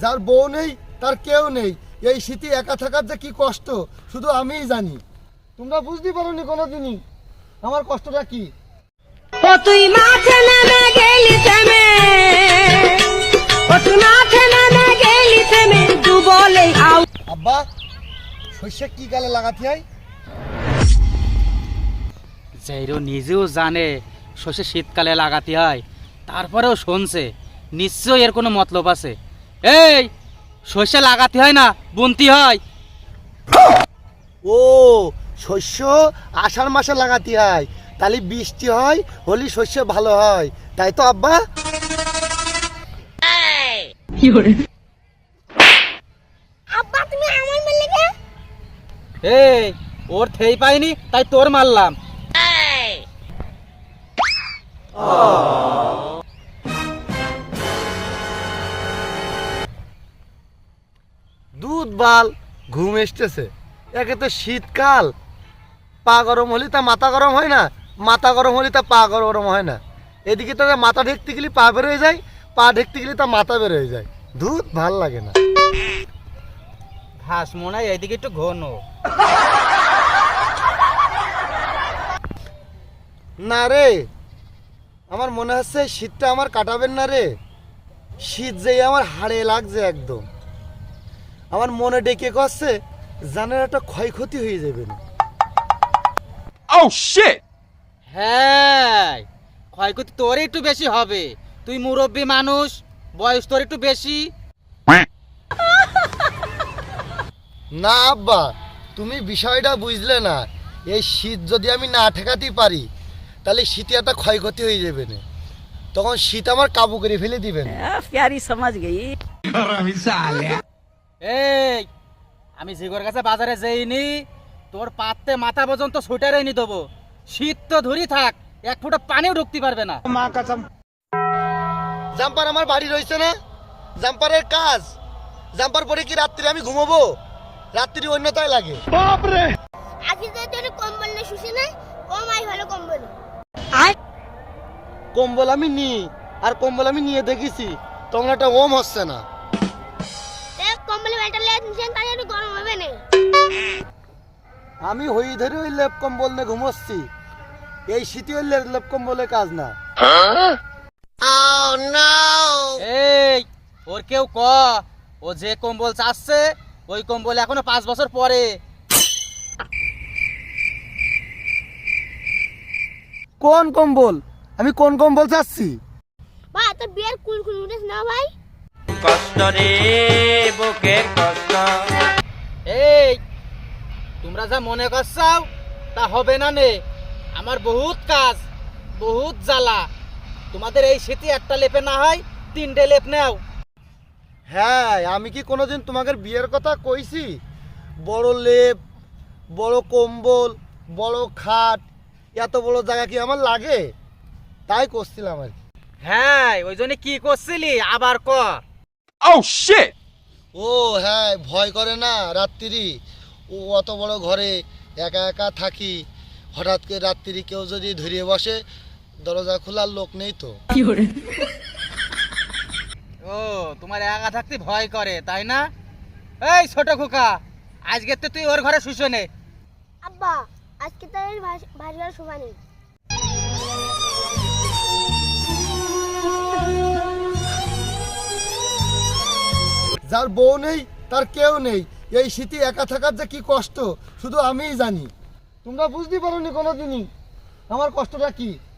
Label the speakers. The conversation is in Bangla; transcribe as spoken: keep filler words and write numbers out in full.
Speaker 1: যার বউ নেই তার কেউ নেই, এই শীতে একা থাকার যে কি কষ্ট শুধু আমিই জানি। তোমরা বুঝতে পারোনি কোনোদিনই আমার কষ্টটা কি।
Speaker 2: ও তুই মাঠে নেমে গেলি থেমে, ও তুই মাঠে নেমে গেলি থেমে, তু বলে আউ।
Speaker 1: আব্বা, শস্য কি কালে লাগাতে হয়?
Speaker 3: যেইরো নিজেও জানে শস্য শীতকালে লাগাতে হয়, তারপরেও শুনছে নিশ্চয়ই এর কোনো মতলব আছে। এই শস্য লাগাতে হয় না, বুনতে হয়।
Speaker 1: ও, শস্য আষাঢ় মাসে লাগাতে হয়, তাহলে বৃষ্টি হয়, হলে শস্য ভালো হয়, তাই তো আব্বা?
Speaker 2: আব্বা তুমি আমার মেলে কে?
Speaker 3: এই ওর থেই পাইনি তাই তোর মারলাম।
Speaker 1: দুধ বাল ঘুম এসতেছে। একে তো শীতকাল, পা গরম হলে তা মাথা গরম হয় না, মাথা গরম হলে তা পা গরম হয় না। এদিকে তো মাথা ঢেকতে গেলে পা বের হয়ে যায়, পা ঢেকতে গেলে তা মাথা বের হয়ে যায়। দুধ ভাল লাগে না।
Speaker 3: ঘাস মনে হয় এইদিকে একটু ঘন।
Speaker 1: না রে, আমার মনে হচ্ছে শীতটা আমার কাটাবেন না রে। শীত যেই আমার হাড়ে লাগছে একদম। আমার মনে ডেকে করছে জানের একটা ক্ষয়ক্ষতি হয়ে যাবে না।
Speaker 4: Oh shit!
Speaker 3: হ্যাঁ, ক্ষয়ক্ষতি তোর একটু বেশি হবে, তুই মুরব্বী মানুষ, বয়স তোর একটু বেশি।
Speaker 1: না আব্বা, তুমি বিষয়টা বুঝলে না। এই শীত যদি আমি না ঠেকাতে পারি তাহলে শীতে একটা ক্ষয়ক্ষতি হয়ে যাবে না, তখন শীত আমার কাবু করে ফেলে দিবেন।
Speaker 2: প্যারি সমাজ গই।
Speaker 3: এই আমি জিগর কাছে বাজারে যাইনি, তোর পাততে মাথা পর্যন্ত সোয়েটার এনে দেবো। শীত তো ধরি থাক, এক ফোঁটা পানিও ঢুকতে পারবে না।
Speaker 1: জাম্পার আমার বাড়ি রয়েছে না, জাম্পারের কাজ। জাম্পার পরে কি রাত্রি আমি ঘুমাবো? রাত্রি অন্যতায় লাগে।
Speaker 5: আজকে তো তোর কম্বল না শুষে না, ও মাই ভালো কম্বল।
Speaker 1: কম্বল আমি নিই, আর কম্বল আমি নিয়ে দেখেছি, তখন একটা ওম হচ্ছে না।
Speaker 5: দেখ কম্বলে বেটা লে নিছেন, তাই একটু গরম হবে না।
Speaker 1: আমি হই ধরে ওই লেপ কম্বল নিয়ে ঘুমোচ্ছি। এই শীতে ওই লে- লেপ কম্বলে কাজ না।
Speaker 3: এই ওর কেউ ক, ও যে কম্বল চাচ্ছে ওই কম্বল এখনো পাঁচ বছর পরে।
Speaker 1: কোন কম্বল? আমি কোন কম্বল চাচ্ছি?
Speaker 5: ভাই তোর বিয়ের কুল কুল উঠেছ না ভাই?
Speaker 3: কষ্ট রে বুকের কষ্ট। এই তোমরা যা মনে করছাও তা হবে না নে। আমার বহুত কাজ, বহুত জ্বালা। তোমাদের এই শীতে একটা লেপে না হয় তিনটে লেপ নাও।
Speaker 1: হ্যাঁ, আমি কি কোনোদিন তোমাকে বিয়ের কথা কইছি? বড় লেপ, বড় কম্বল, বড় খাট, এত বড় জায়গা কি আমার লাগে? তাই করছিলাম আর কি।
Speaker 3: হ্যাঁ, ওই জন্য কি করছিলি আবার ক।
Speaker 4: Oh shit!
Speaker 1: ও হ্যাঁ, ভয় করে না রাত্রি? ও অত বড় ঘরে একা একা থাকি, হঠাৎ করে রাত্রি কেউ যদি ধরিয়ে বসে, দরজা খোলার লোক নেই তো।
Speaker 3: ও তোমার একা থাকতে ভয় করে তাই না? এই ছোট খোকা, আজকে তো তুই ওর ঘরে শুশো নে।
Speaker 5: আব্বা আজকে তো এই ভারী আর শোভা নেই।
Speaker 1: যার বউ নেই তার কেউ নেই, এই শীতে একা থাকার যে কি কষ্ট শুধু আমিই জানি। তোমরা বুঝতে পারোনি কোনোদিনই আমার কষ্টটা কি।